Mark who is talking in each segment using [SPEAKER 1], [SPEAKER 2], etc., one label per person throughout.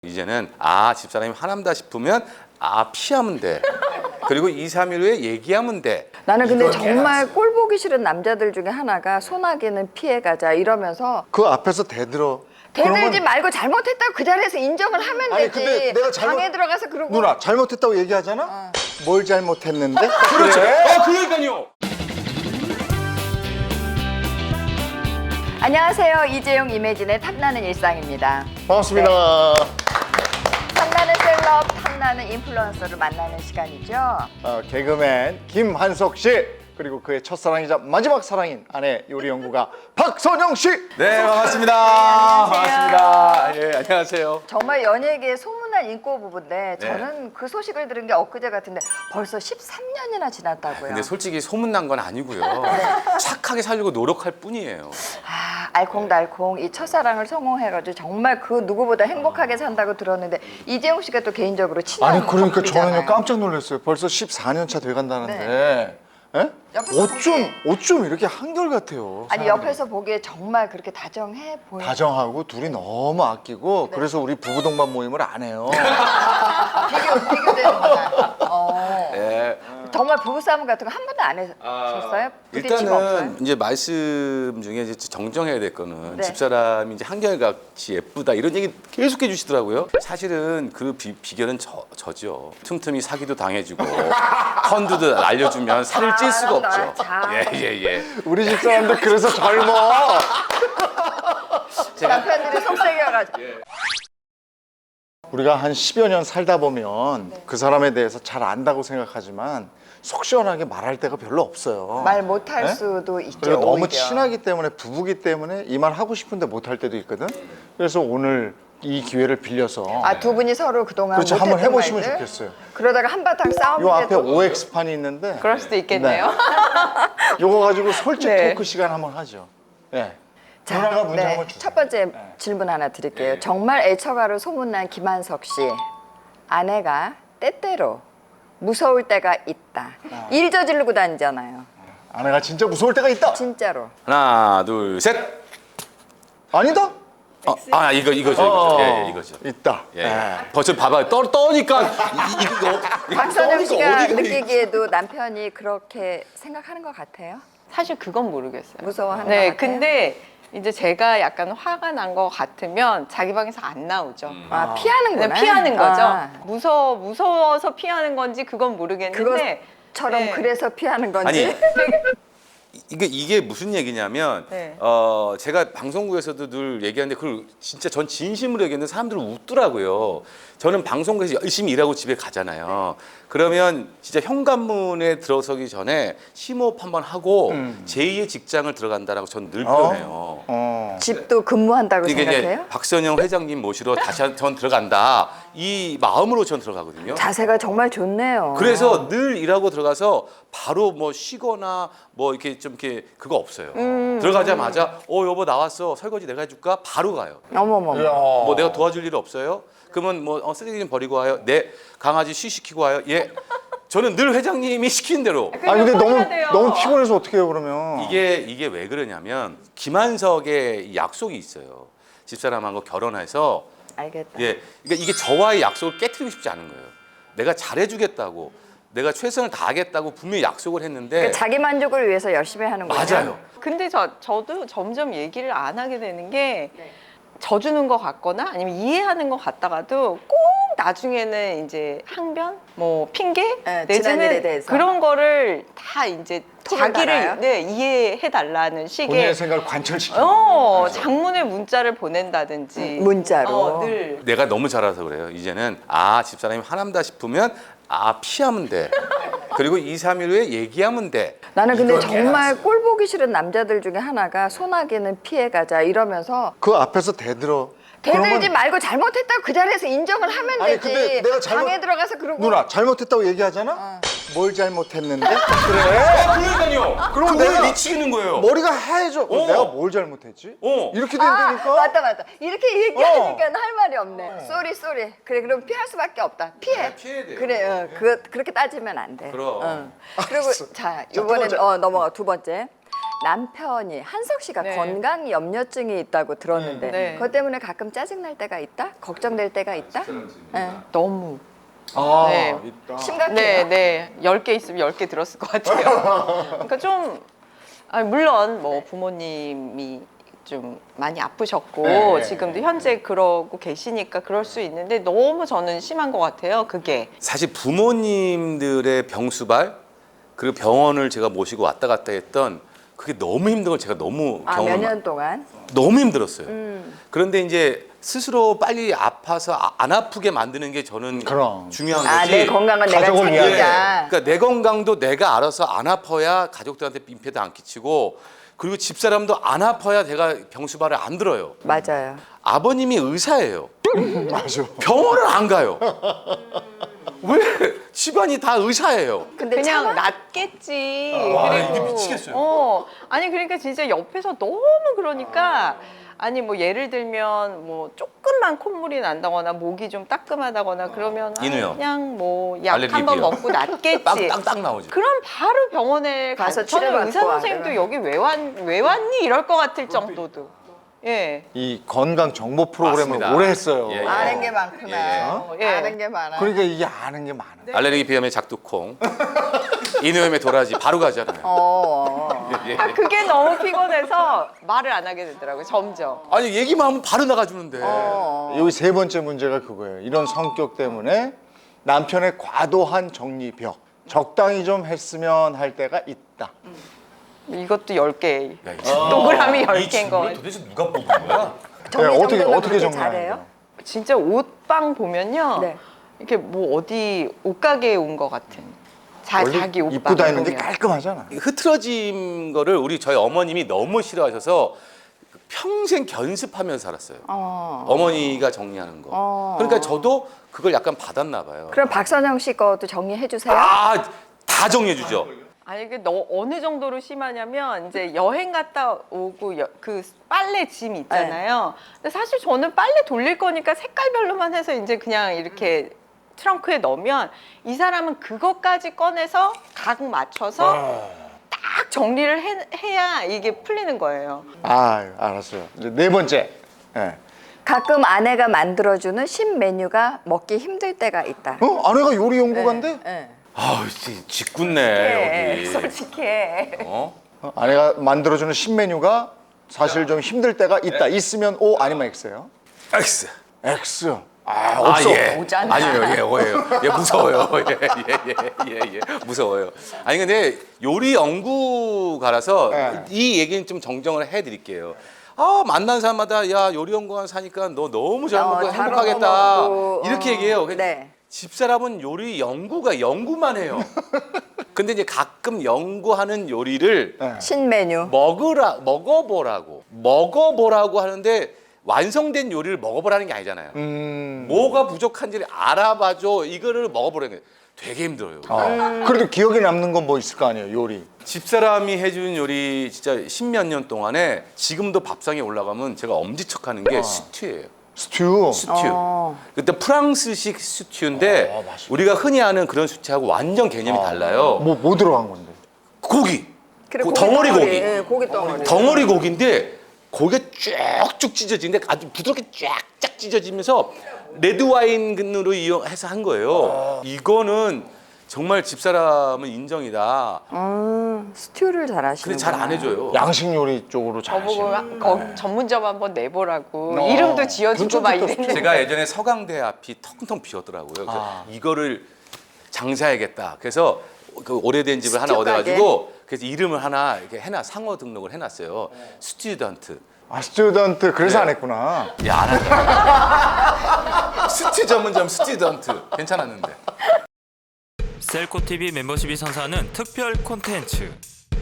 [SPEAKER 1] 이제는 집사람이 화난다 싶으면 피하면 돼. 그리고 2, 3일 후에 얘기하면 돼.
[SPEAKER 2] 나는 근데
[SPEAKER 1] 이걸
[SPEAKER 2] 정말
[SPEAKER 1] 깨놨어.
[SPEAKER 2] 꼴 보기 싫은 남자들 중에 하나가 소나기는 피해가자 이러면서
[SPEAKER 3] 그 앞에서 대들어.
[SPEAKER 2] 대들지
[SPEAKER 3] 그러면-
[SPEAKER 2] 말고 잘못했다고 그 자리에서 인정을 하면
[SPEAKER 3] 아니,
[SPEAKER 2] 되지.
[SPEAKER 3] 근데 내가
[SPEAKER 2] 방에 들어가서 그러고
[SPEAKER 3] 누나 잘못했다고 얘기하잖아? 뭘 잘못했는데?
[SPEAKER 1] 그렇죠.
[SPEAKER 3] 그래?
[SPEAKER 1] 그러니까요.
[SPEAKER 2] 안녕하세요. 이재용 이매진의 탐나는 일상입니다.
[SPEAKER 3] 반갑습니다.
[SPEAKER 2] 탐나는 셀럽, 탐나는 인플루언서를 만나는 시간이죠.
[SPEAKER 3] 개그맨 김한석 씨 그리고 그의 첫사랑이자 마지막 사랑인 아내 요리 연구가 박선영 씨.
[SPEAKER 1] 네, 반갑습니다.
[SPEAKER 2] 안녕하세요.
[SPEAKER 1] 반갑습니다. 예, 안녕하세요.
[SPEAKER 2] 정말 연예계의 소문난 인고 부부인데
[SPEAKER 1] 네.
[SPEAKER 2] 저는 그 소식을 들은 게 엊그제 같은데 벌써 13년이나 지났다고요.
[SPEAKER 1] 근데 솔직히 소문난 건 아니고요. 착하게 살려고 노력할 뿐이에요.
[SPEAKER 2] 알콩달콩 이 첫사랑을 성공해가지고 정말 그 누구보다 행복하게 산다고 들었는데 이재용 씨가 또 개인적으로 친한
[SPEAKER 3] 아니 그러니까
[SPEAKER 2] 커플이잖아요.
[SPEAKER 3] 저는요 깜짝 놀랐어요. 벌써 14년 차 돼간다는데. 예?
[SPEAKER 2] 옆에서
[SPEAKER 3] 어쩜 이렇게 한결같아요.
[SPEAKER 2] 아니
[SPEAKER 3] 사람이.
[SPEAKER 2] 옆에서 보기에 정말 그렇게 다정해 보여.
[SPEAKER 3] 다정하고 둘이 너무 아끼고 그래서 우리 부부 동반 모임을 안 해요.
[SPEAKER 2] 비교되는구나.
[SPEAKER 1] 예.
[SPEAKER 2] 정말 부부싸움 같은 거 한 번도 안 하셨어요? 부딪힘 없어요?
[SPEAKER 1] 일단은 이제 말씀 중에 이제 정정해야 될 거는
[SPEAKER 2] 네.
[SPEAKER 1] 집사람이 이제 한결같이 예쁘다 이런 얘기 계속 해주시더라고요. 사실은 그 비결은 저죠. 틈틈이 사기도 당해주고 펀드도 알려주면 살을 찔 수가 없죠.
[SPEAKER 2] 자.
[SPEAKER 1] 예.
[SPEAKER 3] 우리 집 사람들 그래서 젊어.
[SPEAKER 2] 남편들이 속삭여가지고.
[SPEAKER 3] 우리가 한 10여 년 살다 보면 그 사람에 대해서 잘 안다고 생각하지만 속 시원하게 말할 데가 별로 없어요.
[SPEAKER 2] 말 못할
[SPEAKER 3] 네?
[SPEAKER 2] 수도 있죠.
[SPEAKER 3] 그리고 너무
[SPEAKER 2] 오히려.
[SPEAKER 3] 친하기 때문에 부부기 때문에 이 말 하고 싶은데 못할 때도 있거든. 그래서 오늘 이 기회를 빌려서
[SPEAKER 2] 두 분이 서로 그동안
[SPEAKER 3] 그렇죠.
[SPEAKER 2] 못했던
[SPEAKER 3] 한번 해보시면
[SPEAKER 2] 말들?
[SPEAKER 3] 좋겠어요.
[SPEAKER 2] 그러다가 한바탕 싸우면
[SPEAKER 3] 요 앞에 OX판이 있는데
[SPEAKER 2] 그럴 수도 있겠네요.
[SPEAKER 3] 요거 가지고 솔직
[SPEAKER 2] 네.
[SPEAKER 3] 토크 시간 한번 하죠. 네. 누나가 문제 한번 주세요.
[SPEAKER 2] 첫 번째 질문 하나 드릴게요. 정말 애처가로 소문난 김한석 씨 아내가 때때로 무서울 때가 있다. 일 저지르고 다니잖아요.
[SPEAKER 3] 아내가 진짜 무서울 때가 있다.
[SPEAKER 2] 진짜로.
[SPEAKER 1] 하나, 둘, 셋.
[SPEAKER 3] 아니다?
[SPEAKER 1] 이거죠. 예, 이거죠.
[SPEAKER 3] 있다.
[SPEAKER 1] 예.
[SPEAKER 3] 네.
[SPEAKER 1] 벌써 봐봐요. 떠니까
[SPEAKER 2] 박선영 씨가 느끼기에도 남편이 그렇게 생각하는 것 같아요?
[SPEAKER 4] 사실 그건 모르겠어요.
[SPEAKER 2] 무서워하는
[SPEAKER 4] 네,
[SPEAKER 2] 것 같아요? 근데
[SPEAKER 4] 이제 제가 약간 화가 난 것 같으면 자기 방에서 안 나오죠.
[SPEAKER 2] 피하는구나.
[SPEAKER 4] 네, 피하는 거죠.
[SPEAKER 2] 아,
[SPEAKER 4] 무서워서 피하는 건지 그건 모르겠는데.
[SPEAKER 2] 그것처럼
[SPEAKER 4] 네.
[SPEAKER 2] 그래서 피하는 건지.
[SPEAKER 1] 아니 이게 무슨 얘기냐면
[SPEAKER 4] 네.
[SPEAKER 1] 제가 방송국에서도 늘 얘기하는데 그걸 진짜 전 진심으로 얘기했는데 사람들은 웃더라고요. 저는 방송국에서 열심히 일하고 집에 가잖아요. 그러면 진짜 현관문에 들어서기 전에 심호흡 한번 하고 제2의 직장을 들어간다라고 저는 늘 표현해요.
[SPEAKER 2] 집도 근무한다고
[SPEAKER 1] 이게
[SPEAKER 2] 생각해요?
[SPEAKER 1] 이제 박선영 회장님 모시러 다시 전 들어간다 이 마음으로 전 들어가거든요.
[SPEAKER 2] 자세가 정말 좋네요.
[SPEAKER 1] 그래서 늘 일하고 들어가서 바로 뭐 쉬거나 뭐 이렇게 좀 이렇게 그거 없어요. 들어가자마자 여보 나왔어 설거지 내가 해줄까 바로 가요.
[SPEAKER 2] 어머머.
[SPEAKER 1] 뭐 내가 도와줄 일 없어요? 그러면 뭐 쓰레기 좀 버리고 와요. 네 강아지 쉬시키고 와요. 예. 저는 늘 회장님이 시키는 대로.
[SPEAKER 3] 아니 근데
[SPEAKER 4] 해야 돼요.
[SPEAKER 3] 너무 피곤해서 어떻게 해요 그러면?
[SPEAKER 1] 이게 왜 그러냐면 김한석의 약속이 있어요. 집사람하고 결혼해서
[SPEAKER 2] 알겠다.
[SPEAKER 1] 예. 그러니까 이게 저와의 약속을 깨트리고 싶지 않은 거예요. 내가 잘해주겠다고, 내가 최선을 다하겠다고 분명히 약속을 했는데
[SPEAKER 2] 그러니까 자기 만족을 위해서 열심히 하는 거예요.
[SPEAKER 1] 맞아요.
[SPEAKER 4] 근데 저도 점점 얘기를 안 하게 되는 게 져주는 것 같거나 아니면 이해하는 것 같다가도 꼭 나중에는 이제 항변, 뭐 핑계
[SPEAKER 2] 네, 지난 일에
[SPEAKER 4] 내지는
[SPEAKER 2] 대해서.
[SPEAKER 4] 그런 거를 다 이제
[SPEAKER 2] 톡을 달아요?
[SPEAKER 4] 자기를 이해해 달라는 식의
[SPEAKER 3] 본인의 생각을 관철시키는.
[SPEAKER 4] 장문의 문자를 보낸다든지
[SPEAKER 2] 문자로.
[SPEAKER 4] 늘
[SPEAKER 1] 내가 너무 잘해서 그래요. 이제는 집사람이 화난다 싶으면 피하면 돼. 그리고 2, 3일 후에 얘기하면 돼.
[SPEAKER 2] 나는 근데
[SPEAKER 1] 이걸
[SPEAKER 2] 정말
[SPEAKER 1] 깨놨어.
[SPEAKER 2] 꼴 보기 싫은 남자들 중에 하나가 소나기는 피해가자 이러면서
[SPEAKER 3] 그 앞에서 대들어.
[SPEAKER 2] 대들지
[SPEAKER 3] 그러면-
[SPEAKER 2] 말고 잘못했다고 그 자리에서 인정을 하면
[SPEAKER 3] 아니,
[SPEAKER 2] 되지.
[SPEAKER 3] 근데 내가
[SPEAKER 2] 방에 들어가서 그러고
[SPEAKER 3] 누나 잘못했다고 얘기하잖아? 뭘 잘못했는데? 그래.
[SPEAKER 1] 그러니까요.
[SPEAKER 3] 그럼
[SPEAKER 1] 그거에
[SPEAKER 3] 내가-
[SPEAKER 1] 미치겠는 거예요.
[SPEAKER 3] 머리가 하얘져. 내가 뭘 잘못했지? 이렇게 된다니까?
[SPEAKER 2] 맞다. 이렇게 얘기하니까 할 말이 없네. 쏘리. 그래 그럼 피할 수밖에 없다. 피해.
[SPEAKER 1] 피해야 돼요.
[SPEAKER 2] 그래 그렇게 따지면 안 돼.
[SPEAKER 1] 그럼.
[SPEAKER 2] 그리고
[SPEAKER 3] 알았어.
[SPEAKER 2] 자
[SPEAKER 3] 두
[SPEAKER 2] 이번엔
[SPEAKER 3] 번째.
[SPEAKER 2] 넘어가 두 번째. 남편이 한석 씨가
[SPEAKER 4] 네.
[SPEAKER 2] 건강 염려증이 있다고 들었는데
[SPEAKER 4] 네.
[SPEAKER 2] 그것 때문에 가끔 짜증 날 때가 있다? 걱정될 때가 있다? 네.
[SPEAKER 4] 너무.
[SPEAKER 3] 아,
[SPEAKER 4] 네.
[SPEAKER 3] 있다.
[SPEAKER 2] 심각해요.
[SPEAKER 4] 네. 10개 있으면 10개 들었을 것 같아요. 그러니까 좀, 물론 뭐 부모님이 좀 많이 아프셨고
[SPEAKER 3] 네.
[SPEAKER 4] 지금도 현재 그러고 계시니까 그럴 수 있는데 너무 저는 심한 것 같아요, 그게.
[SPEAKER 1] 사실 부모님들의 병수발 그리고 병원을 제가 모시고 왔다 갔다 했던 그게 너무 힘든 걸 제가 너무
[SPEAKER 2] 아,
[SPEAKER 1] 경험을
[SPEAKER 2] 몇 년 동안?
[SPEAKER 1] 너무 힘들었어요. 그런데 이제 스스로 빨리 아파서 안 아프게 만드는 게 저는
[SPEAKER 3] 그럼.
[SPEAKER 1] 중요한
[SPEAKER 2] 아,
[SPEAKER 1] 거지.
[SPEAKER 2] 내 건강은 내가
[SPEAKER 3] 가족을 위하여.
[SPEAKER 2] 챙기자.
[SPEAKER 1] 그러니까 내 건강도 내가 알아서 안 아파야 가족들한테 민폐도 안 끼치고 그리고 집사람도 안 아파야 내가 병수발을 안 들어요.
[SPEAKER 2] 맞아요.
[SPEAKER 1] 아버님이 의사예요.
[SPEAKER 3] 맞아.
[SPEAKER 1] 병원을 안 가요. 왜? 집안이 다 의사예요.
[SPEAKER 2] 근데
[SPEAKER 4] 그냥
[SPEAKER 2] 차마?
[SPEAKER 4] 낫겠지.
[SPEAKER 1] 와,
[SPEAKER 4] 그리고,
[SPEAKER 1] 이게 미치겠어요.
[SPEAKER 4] 아니 그러니까 진짜 옆에서 너무 그러니까 아니 뭐 예를 들면 뭐 조금만 콧물이 난다거나 목이 좀 따끔하다거나 그러면
[SPEAKER 1] 인후요.
[SPEAKER 4] 그냥 뭐 약
[SPEAKER 1] 알레르기
[SPEAKER 4] 한 번
[SPEAKER 1] 비요.
[SPEAKER 4] 먹고 낫겠지.
[SPEAKER 1] 땅땅 나오죠.
[SPEAKER 4] 그럼 바로 병원에
[SPEAKER 2] 가서
[SPEAKER 4] 가서 저는
[SPEAKER 2] 치료받고
[SPEAKER 4] 의사 선생님도
[SPEAKER 2] 하더라.
[SPEAKER 4] 여기 왜 왔니 이럴 것 같을 정도도. 예.
[SPEAKER 3] 이 건강 정보 프로그램을
[SPEAKER 1] 맞습니다.
[SPEAKER 3] 오래 했어요.
[SPEAKER 1] 예, 예.
[SPEAKER 2] 아는 게 많구나.
[SPEAKER 4] 예.
[SPEAKER 2] 아는 게 많아.
[SPEAKER 3] 그러니까 이게 아는 게 많아.
[SPEAKER 1] 알레르기 비염의 작두콩, 인후염의 도라지 바로 가잖아요. 예.
[SPEAKER 4] 그게 너무 피곤해서 말을 안 하게 되더라고요. 점점.
[SPEAKER 1] 아니 얘기만 하면 바로 나가주는데.
[SPEAKER 3] 여기 세 번째 문제가 그거예요. 이런 성격 때문에 남편의 과도한 정리벽. 적당히 좀 했으면 할 때가 있다.
[SPEAKER 4] 이것도 10개.
[SPEAKER 1] 야, 이
[SPEAKER 4] 동그라미
[SPEAKER 1] 이
[SPEAKER 4] 10개인
[SPEAKER 1] 질문을
[SPEAKER 4] 거.
[SPEAKER 1] 도대체 누가 뽑은 거야?
[SPEAKER 2] 정리
[SPEAKER 3] 어떻게
[SPEAKER 2] 정돈을
[SPEAKER 3] 어떻게
[SPEAKER 2] 그렇게
[SPEAKER 3] 정리해요?
[SPEAKER 2] 잘해요?
[SPEAKER 4] 진짜 옷방 보면요.
[SPEAKER 2] 네.
[SPEAKER 4] 이렇게 뭐 어디 옷가게에 온 것 같은. 자기 옷방.
[SPEAKER 3] 입고 다니는데
[SPEAKER 4] 보면.
[SPEAKER 3] 깔끔하잖아.
[SPEAKER 1] 흐트러진 거를 저희 어머님이 너무 싫어하셔서 평생 견습하면서 살았어요. 어머니가 정리하는 거. 그러니까 저도 그걸 약간 받았나 봐요.
[SPEAKER 2] 그럼 박선영 씨 것도 정리해 주세요.
[SPEAKER 1] 아, 다 정리해 주죠.
[SPEAKER 4] 아니 이게 너 어느 정도로 심하냐면 이제 여행 갔다 오고 그 빨래 짐 있잖아요. 근데 사실 저는 빨래 돌릴 거니까 색깔별로만 해서 이제 그냥 이렇게 트렁크에 넣으면 이 사람은 그것까지 꺼내서 각 맞춰서 딱 정리를 해야 이게 풀리는 거예요.
[SPEAKER 3] 아, 알았어요. 이제 네 번째. 예.
[SPEAKER 2] 가끔 아내가 만들어주는 신메뉴가 먹기 힘들 때가 있다.
[SPEAKER 3] 아내가 요리 연구가인데?
[SPEAKER 2] 네.
[SPEAKER 1] 아우, 짓궂네 여기.
[SPEAKER 2] 솔직해.
[SPEAKER 1] 어?
[SPEAKER 3] 아내가 만들어주는 신메뉴가 사실 좀 힘들 때가 있다. 있으면 O 아니면 X예요?
[SPEAKER 1] X.
[SPEAKER 3] X. 아, 없어.
[SPEAKER 1] 예.
[SPEAKER 2] 오잖아.
[SPEAKER 1] 아니요, 예, 오해요. 예, 무서워요. 예, 무서워요. 아니 근데 요리 연구가라서
[SPEAKER 3] 예.
[SPEAKER 1] 이 얘기는 좀 정정을 해드릴게요. 아, 만난 사람마다 야 요리 연구관 사니까 너 너무 잘 먹고
[SPEAKER 2] 잘
[SPEAKER 1] 행복하겠다
[SPEAKER 2] 먹고,
[SPEAKER 1] 이렇게 얘기해요.
[SPEAKER 2] 네.
[SPEAKER 1] 집사람은 요리 연구만 해요. 근데 이제 가끔 연구하는 요리를
[SPEAKER 3] 네.
[SPEAKER 2] 신메뉴.
[SPEAKER 1] 먹어보라고 하는데 완성된 요리를 먹어보라는 게 아니잖아요. 뭐가 부족한지를 알아봐줘. 이거를 먹어보라는 게 되게 힘들어요.
[SPEAKER 3] 그래도 기억에 남는 건 뭐 있을 거 아니에요, 요리.
[SPEAKER 1] 집사람이 해준 요리 진짜 십몇 년 동안에 지금도 밥상에 올라가면 제가 엄지척하는 게 스튜예요.
[SPEAKER 3] 스튜.
[SPEAKER 1] 스튜. 그때 프랑스식 스튜인데 우리가 흔히 아는 그런 스튜하고 완전 개념이 달라요.
[SPEAKER 3] 뭐 들어간 건데?
[SPEAKER 1] 고기.
[SPEAKER 2] 그래,
[SPEAKER 1] 덩어리 고기.
[SPEAKER 2] 예, 고기 덩어리.
[SPEAKER 1] 덩어리 고기인데 고기가 쭉쭉 찢어지는데 아주 부드럽게 쫙쫙 찢어지면서 레드 와인으로 이용해서 한 거예요. 이거는 정말 집사람은 인정이다.
[SPEAKER 2] 스튜를 잘하시는.
[SPEAKER 1] 근데 잘 안 해줘요.
[SPEAKER 3] 양식 요리 쪽으로
[SPEAKER 4] 저보고
[SPEAKER 3] 잘하시네.
[SPEAKER 4] 전문점 한번 내보라고
[SPEAKER 3] 어.
[SPEAKER 4] 이름도 지어주고 막
[SPEAKER 3] 괜찮겠다,
[SPEAKER 4] 이랬는데
[SPEAKER 1] 제가 예전에 서강대 앞이 텅텅 비었더라고요. 그래서 이거를 장사해야겠다. 그래서 그 오래된 집을 하나
[SPEAKER 2] 스튜
[SPEAKER 1] 얻어가지고 그래서 이름을 하나 이렇게 상호 등록을 해놨어요. 스튜던트.
[SPEAKER 3] 아, 스튜던트. 그래서
[SPEAKER 1] 네.
[SPEAKER 3] 안 했구나.
[SPEAKER 1] 야, 안 한다. 스튜 전문점 스튜던트. 괜찮았는데.
[SPEAKER 5] 셀코TV 멤버십이 선사하는 특별 콘텐츠.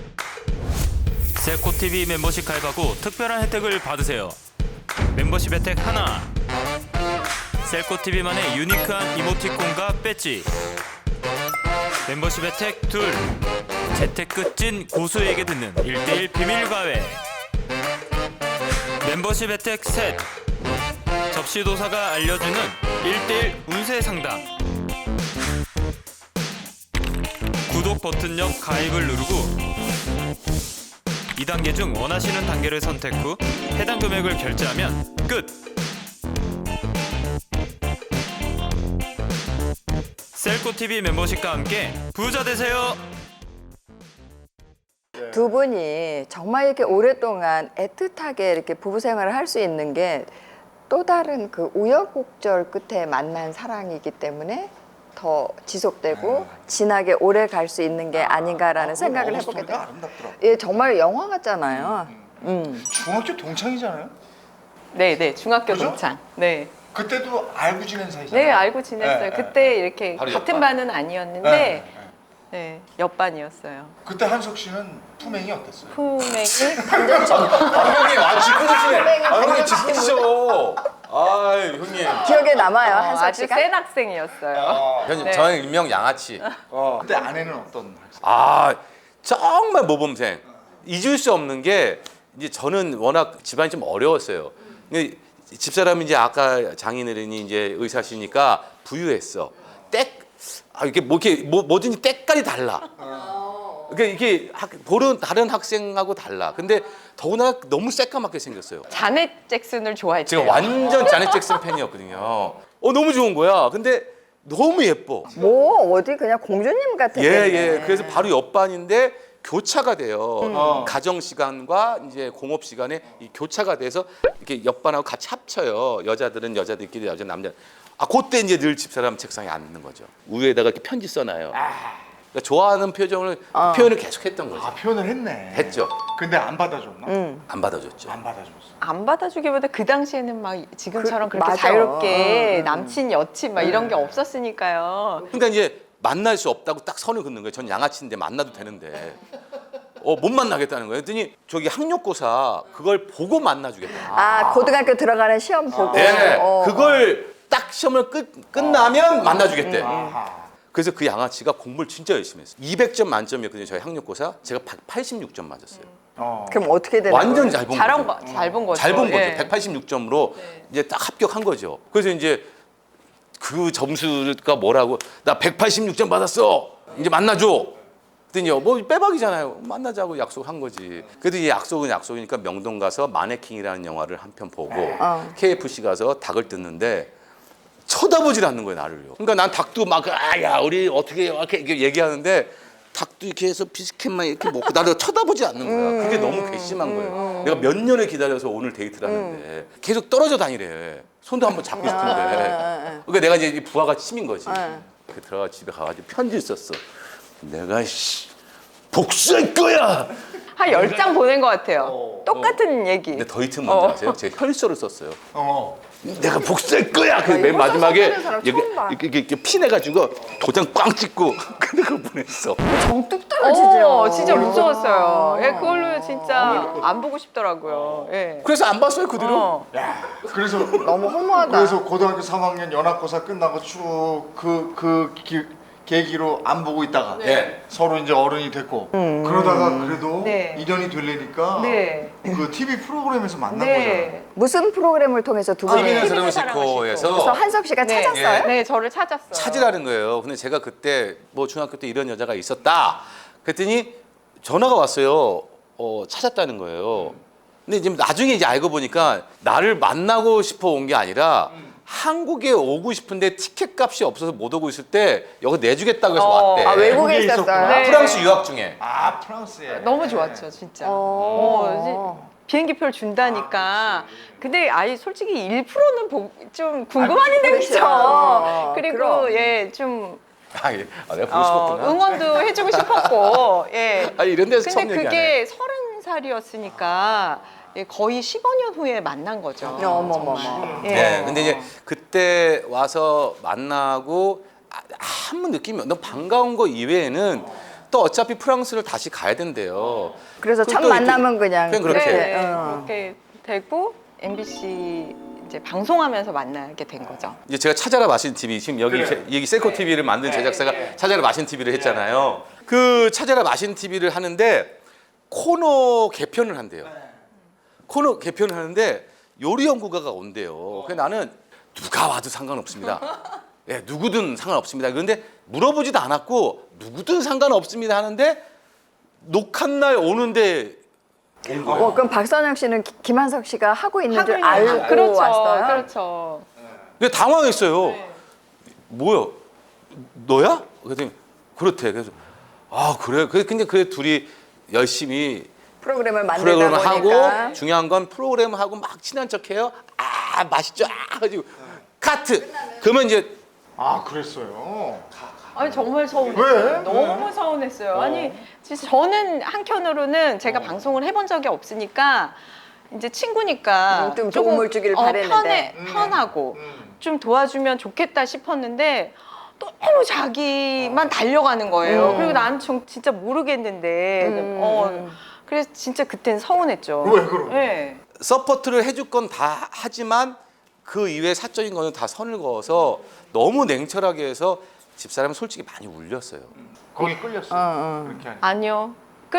[SPEAKER 5] 셀코TV 멤버십 가입하고 특별한 혜택을 받으세요. 멤버십 혜택 하나, 셀코TV만의 유니크한 이모티콘과 배지. 멤버십 혜택 둘, 재테크 찐 고수에게 듣는 1:1 비밀 과외. 멤버십 혜택 셋, 접시도사가 알려주는 1:1 운세 상담. 구독 버튼옆 가입을 누르고 2단계 중 원하시는 단계를 선택 후 해당 금액을 결제하면 끝! 셀코TV 멤버십과 함께 부자 되세요!
[SPEAKER 2] 두 분이 정말 이렇게 오랫동안 애틋하게 이렇게 부부 생활을 할 수 있는 게 또 다른 그 우여곡절 끝에 만난 사랑이기 때문에 더 지속되고 진하게 오래 갈 수 있는 게 아닌가라는 생각을 해보게 돼요.
[SPEAKER 3] 아름답더라고.
[SPEAKER 2] 예, 정말 영화 같잖아요.
[SPEAKER 3] 중학교 동창이잖아요.
[SPEAKER 4] 네, 중학교
[SPEAKER 3] 그죠?
[SPEAKER 4] 동창. 네.
[SPEAKER 3] 그때도 알고 지낸 사이잖아요.
[SPEAKER 4] 네, 알고 지냈어요.
[SPEAKER 3] 네,
[SPEAKER 4] 그때 이렇게
[SPEAKER 1] 바로
[SPEAKER 4] 같은
[SPEAKER 1] 옆반.
[SPEAKER 4] 반은 아니었는데
[SPEAKER 3] 네.
[SPEAKER 4] 네, 옆반이었어요.
[SPEAKER 3] 그때 한석 씨는 품행이 어땠어요?
[SPEAKER 4] 품행이
[SPEAKER 1] 형님 짚어주시네. 형님 짚어주셔. 아 형님.
[SPEAKER 2] 기억에 남아요, 한석
[SPEAKER 4] 아주
[SPEAKER 2] 씨가?
[SPEAKER 4] 센 학생이었어요.
[SPEAKER 1] 형님
[SPEAKER 4] 네.
[SPEAKER 1] 저는 일명 양아치.
[SPEAKER 3] 그때 아내는 어떤 학생?
[SPEAKER 1] 아 정말 모범생. 잊을 수 없는 게 이제 저는 워낙 집안이 좀 어려웠어요. 근데 집사람이 이제 아까 장인어른이 이제 의사시니까 부유했어. 이렇게 뭐든지 때깔이 달라. 그러니까 이게 다른 학생하고 달라. 근데 더구나 너무 새까맣게 생겼어요.
[SPEAKER 4] 자넷 잭슨을 좋아했대요.
[SPEAKER 1] 제가 완전 자넷 잭슨 팬이었거든요. 너무 좋은 거야. 근데 너무 예뻐.
[SPEAKER 2] 뭐 어디 그냥 공주님 같았겠네.
[SPEAKER 1] 예. 그래서 바로 옆반인데 교차가 돼요. 가정 시간과 이제 공업 시간에 이 교차가 돼서 이렇게 옆반하고 같이 합쳐요. 여자들은 여자들끼리, 여자 남자. 그때 이제 늘 집사람 책상에 앉는 거죠. 위에다가 이렇게 편지 써놔요. 그러니까 좋아하는 표현을 계속했던 거죠.
[SPEAKER 3] 표현을 했네.
[SPEAKER 1] 했죠.
[SPEAKER 3] 근데 안 받아줬나?
[SPEAKER 1] 안 받아줬죠.
[SPEAKER 3] 안 받아줬어.
[SPEAKER 4] 안 받아주기보다 그 당시에는 막 지금처럼 그렇게
[SPEAKER 2] 맞아.
[SPEAKER 4] 자유롭게 남친 여친 막 이런 게 없었으니까요.
[SPEAKER 1] 그러니까 이제 만날 수 없다고 딱 선을 긋는 거예요. 전 양아치인데 만나도 되는데. 못 만나겠다는 거예요. 그랬더니 저기 학력고사 그걸 보고 만나주겠다.
[SPEAKER 2] 고등학교 들어가는 시험 보고.
[SPEAKER 1] 네, 그걸 딱 시험을 끝나면 만나주겠대.
[SPEAKER 3] 아하.
[SPEAKER 1] 그래서 그 양아치가 공부를 진짜 열심히 했어요. 200점 만점이었거든요. 저희 학력고사. 제가 186점 맞았어요.
[SPEAKER 2] 그럼 어떻게 되는
[SPEAKER 1] 완전
[SPEAKER 2] 거예요?
[SPEAKER 1] 잘 본
[SPEAKER 4] 잘
[SPEAKER 1] 거죠.
[SPEAKER 4] 본 거죠.
[SPEAKER 1] 잘 본 거죠.
[SPEAKER 4] 예.
[SPEAKER 1] 186점으로 이제 딱 합격한 거죠. 그래서 이제 그 점수가 뭐라고 나 186점 받았어. 이제 만나줘. 그랬더니 뭐 빼박이잖아요. 만나자고 약속한 거지. 그래도 이 약속은 약속이니까 명동 가서 마네킹이라는 영화를 한 편 보고 KFC 가서 닭을 뜯는데 쳐다보질 않는 거예요, 나를요. 그러니까 난 닭도 막 야 우리 어떻게 이렇게 얘기하는데 닭도 이렇게 해서 비스켓만 이렇게 먹고 나를 쳐다보지 않는 거야. 그게 너무 괘씸한 거예요. 내가 몇 년을 기다려서 오늘 데이트를 하는데 계속 떨어져 다니래. 손도 한번 잡고 싶은데. 그러니까 내가 이제 이 부하가 치민 거지. 그 들어가 집에 가가지고 편지 썼어. 내가 복수할 거야.
[SPEAKER 4] 한 10장 보낸 것 같아요. 똑같은 얘기.
[SPEAKER 1] 근데 더 히트 뭔지 아세요? 제가 혈서를 썼어요.
[SPEAKER 3] 어.
[SPEAKER 1] 내가 복수할 거야. 그 맨
[SPEAKER 2] 이거
[SPEAKER 1] 마지막에
[SPEAKER 2] 써쓰는 사람 처음 봐.
[SPEAKER 1] 이렇게 피내가지고 도장 꽝 찍고 근데 그걸 보냈어.
[SPEAKER 2] 정뚝 떨어지죠.
[SPEAKER 4] 진짜 무서웠어요. 예, 그걸로 진짜 안 보고 싶더라고요. 예.
[SPEAKER 1] 그래서 안 봤어요 그 뒤로.
[SPEAKER 3] 야, 그래서
[SPEAKER 2] 너무 허무하다.
[SPEAKER 3] 그래서 고등학교 3학년 연합고사 끝나고 쭉 계기로 안 보고 있다가
[SPEAKER 1] 네.
[SPEAKER 3] 서로 이제 어른이 됐고 그러다가 그래도
[SPEAKER 4] 네.
[SPEAKER 3] 인연이 되려니까
[SPEAKER 4] 네.
[SPEAKER 3] 그 TV 프로그램에서 만난
[SPEAKER 4] 네.
[SPEAKER 2] 무슨 프로그램을 통해서 두 분이
[SPEAKER 1] TV는
[SPEAKER 4] TV는
[SPEAKER 2] 그래서
[SPEAKER 1] 드라마시코에서
[SPEAKER 2] 한석 씨가
[SPEAKER 4] 네.
[SPEAKER 2] 찾았어요?
[SPEAKER 4] 네, 저를 찾았어요.
[SPEAKER 1] 찾으라는 거예요. 근데 제가 그때 뭐 중학교 때 이런 여자가 있었다. 그랬더니 전화가 왔어요. 찾았다는 거예요. 근데 이제 나중에 이제 알고 보니까 나를 만나고 싶어 온 게 아니라 한국에 오고 싶은데 티켓 값이 없어서 못 오고 있을 때 여기 내주겠다고 해서 왔대.
[SPEAKER 2] 외국에
[SPEAKER 3] 외국에
[SPEAKER 2] 있었어요?
[SPEAKER 3] 있었구나.
[SPEAKER 4] 네.
[SPEAKER 1] 프랑스 유학 중에.
[SPEAKER 3] 아 프랑스에
[SPEAKER 4] 너무 좋았죠, 진짜.
[SPEAKER 2] 어.
[SPEAKER 4] 비행기표를 준다니까. 근데 솔직히 1%는 좀 궁금한 인생이죠.
[SPEAKER 2] 그렇죠.
[SPEAKER 4] 그리고
[SPEAKER 2] 그럼.
[SPEAKER 4] 예, 좀
[SPEAKER 1] 내가 보고 싶었구나.
[SPEAKER 4] 응원도 해주고 싶었고. 예.
[SPEAKER 1] 이런 데서 처음
[SPEAKER 4] 근데
[SPEAKER 1] 얘기하네.
[SPEAKER 4] 그게 30살이었으니까 거의 15년 후에 만난 거죠.
[SPEAKER 2] 어머머머.
[SPEAKER 4] 예.
[SPEAKER 1] 네, 근데 이제 그때 와서 만나고 한번 느낌이 너 반가운 거 이외에는 또 어차피 프랑스를 다시 가야 된대요.
[SPEAKER 2] 그래서
[SPEAKER 1] 그럼
[SPEAKER 2] 첫
[SPEAKER 1] 또
[SPEAKER 2] 만남은 그냥
[SPEAKER 1] 그냥 그렇게.
[SPEAKER 4] 네,
[SPEAKER 2] 어.
[SPEAKER 4] 그렇게 되고 MBC 이제 방송하면서 만나게 된 거죠.
[SPEAKER 1] 이제 제가 찾아라 마신 TV 지금 여기 여기 셀코 TV를 만든 제작사가 찾아라 마신 TV를 했잖아요. 그 찾아라 마신 TV를 하는데 코너 개편을 한대요. 코너 개편을 하는데 요리 연구가가 온대요. 그래서 나는 누가 와도 상관없습니다. 예, 누구든 상관없습니다. 그런데 물어보지도 않았고 누구든 상관없습니다 하는데 녹화 날 오는데
[SPEAKER 2] 그럼 박선영 씨는 김한석 씨가 하고 있는 줄
[SPEAKER 4] 하고 있는-
[SPEAKER 2] 알고
[SPEAKER 4] 그렇죠,
[SPEAKER 2] 왔어요?
[SPEAKER 4] 그렇죠.
[SPEAKER 1] 근데 당황했어요. 뭐야? 너야? 그랬더니 그렇대. 그래서 아 그래. 근데 그 둘이 열심히
[SPEAKER 2] 프로그램을 만들다
[SPEAKER 1] 프로그램을
[SPEAKER 2] 보니까
[SPEAKER 1] 하고 중요한 건 프로그램을 하고 막 친한 척해요. 아 맛있죠. 아 가지고 카트. 그러면 이제
[SPEAKER 3] 아 그랬어요.
[SPEAKER 4] 아니 정말 서운했어요.
[SPEAKER 3] 왜?
[SPEAKER 4] 너무 서운했어요. 아니 진짜 저는 한편으로는 제가 방송을 해본 적이 없으니까 이제 친구니까
[SPEAKER 2] 좀
[SPEAKER 4] 조금,
[SPEAKER 2] 도움을 주길 바랬는데.
[SPEAKER 4] 편하고 좀 도와주면 좋겠다 싶었는데 너무 자기만 달려가는 거예요. 그리고 나는 진짜 모르겠는데 그래서 진짜 그때는 서운했죠.
[SPEAKER 3] 왜 그럼?
[SPEAKER 4] 네.
[SPEAKER 1] 서포트를 해줄 건 다 하지만 그 이외에 사적인 거는 다 선을 그어서 너무 냉철하게 해서 집사람은 솔직히 많이 울렸어요.
[SPEAKER 3] 거기 끌렸어. 그렇게 하니.
[SPEAKER 4] 아니요.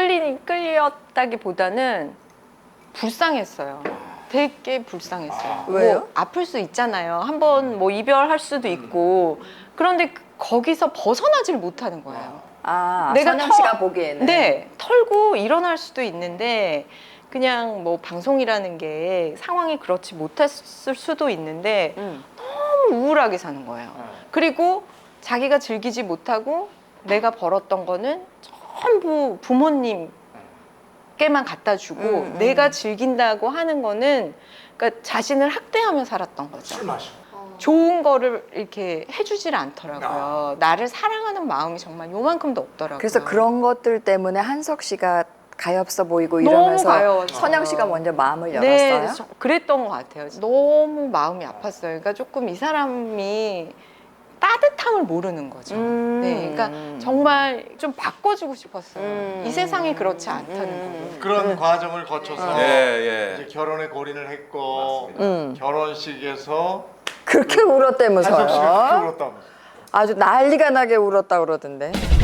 [SPEAKER 4] 끌렸다기보다는 불쌍했어요. 되게 불쌍했어요.
[SPEAKER 2] 왜요?
[SPEAKER 4] 뭐 아플 수 있잖아요. 한번 뭐 이별할 수도 있고. 그런데 거기서 벗어나질 못하는 거예요. 내가
[SPEAKER 2] 선영 씨가 보기에는
[SPEAKER 4] 네, 털고 일어날 수도 있는데 그냥 뭐 방송이라는 게 상황이 그렇지 못했을 수도 있는데 너무 우울하게 사는 거예요. 그리고 자기가 즐기지 못하고 내가 벌었던 거는 전부 부모님께만 갖다 주고 내가 즐긴다고 하는 거는 그러니까 자신을 학대하며 살았던 거죠.
[SPEAKER 3] 술 마셔.
[SPEAKER 4] 좋은 거를 이렇게 해주질 않더라고요. 나를 사랑하는 마음이 정말 요만큼도 없더라고요.
[SPEAKER 2] 그래서 그런 것들 때문에 한석 씨가 가엾어 보이고
[SPEAKER 4] 너무
[SPEAKER 2] 이러면서
[SPEAKER 4] 가여웠어요.
[SPEAKER 2] 선영 씨가 먼저 마음을
[SPEAKER 4] 네,
[SPEAKER 2] 열었어요?
[SPEAKER 4] 그랬던 것 같아요. 너무 마음이 아팠어요. 그러니까 조금 이 사람이 따뜻함을 모르는 거죠. 네, 그러니까 정말 좀 바꿔주고 싶었어요. 이 세상이 그렇지 않다는 거.
[SPEAKER 3] 그런 과정을 거쳐서
[SPEAKER 1] 예,
[SPEAKER 3] 이제 결혼에 골인을 했고
[SPEAKER 2] 음.
[SPEAKER 3] 결혼식에서
[SPEAKER 2] 그렇게
[SPEAKER 3] 한석 씨가
[SPEAKER 2] 울었다면서요?
[SPEAKER 3] 그렇게 울었다면서.
[SPEAKER 2] 아주 난리가 나게 울었다 그러던데.